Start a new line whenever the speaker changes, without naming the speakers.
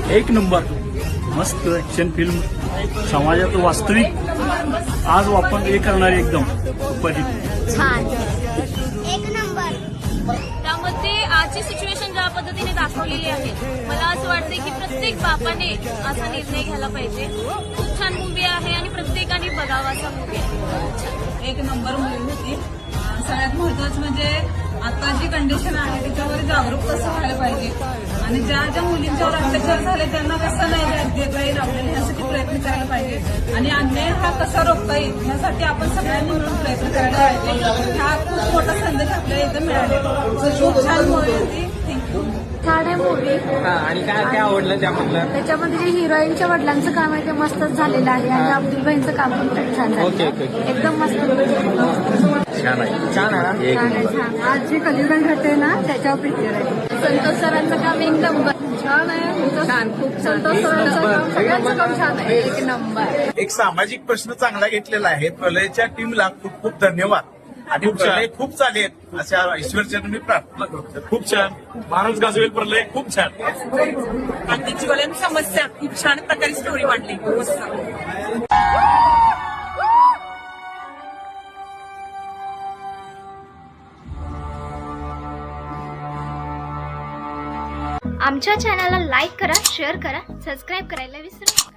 एक नंबर मस्त action film, समाजात वास्तविक आज आपण हे करणारी एकदम सुपरहिट
छान एक नंबर.
त्यामध्ये आजची सिच्युएशन ज्या पद्धतीने दाखवलेली आहे, मला असं वाटतं की प्रत्येक बापाने असा निर्णय घ्यायला पाहिजे. खूप छान मूवी आहे आणि प्रत्येकाने बघावा असा मूवी आहे.
एक नंबर मूवी होती. सगळ्यात महत्वाचं म्हणजे आता जी कंडिशन आहे त्याच्यावर जागरूक कसं व्हायला पाहिजे आणि ज्या ज्या मुलींच्यावर अत्याचार झाले त्यांना कसं नाही देता येईल आपल्याला ह्यासाठी प्रयत्न करायला पाहिजे आणि अन्याय हा कसा रोखता येईल यासाठी आपण सगळ्यांनी मिळून प्रयत्न करायला पाहिजे. हा खूप मोठा संदेश आपल्याला इथं मिळाला. खूप छान मूवी होती. थँक्यू.
छान आहे मूवी.
आणि काय काय आवडलं त्यामधलं?
त्याच्यामध्ये जे हिरोईनच्या वडिलांचं काम आहे ते मस्तच झालेलं आहे आणि अब्दुल भाईंचं काम पण खूप छान
ओके,
झालं.
ओके.
एकदम मस्त.
छान आहे.
छान आहे ना?
एक
छान आहे,
नंबर.
छान. आज जे कलियुगन घडते ना त्याच्यावर पिक्चर आहे. संतोष सरांचं काम एक नंबर छान आहे. छान, खूप संतोष सरांचं काम, सगळ्यांचं काम छान आहे. एक नंबर.
एक सामाजिक प्रश्न चांगला घेतलेला आहे. प्रलयच्या टीमला खूप खूप धन्यवाद आणि प्रलय खूप चालेल अशा ईश्वरचरणी मी प्रार्थना करतो.
खूप छान. महाराज गाजवेल प्रलय खूप छान.
ज्वलन समस्या खूप छान प्रकारे स्टोरी मांडली.
आमच्या चॅनलला लाईक करा, शेअर करा, सबस्क्राईब करायला विसरू नका.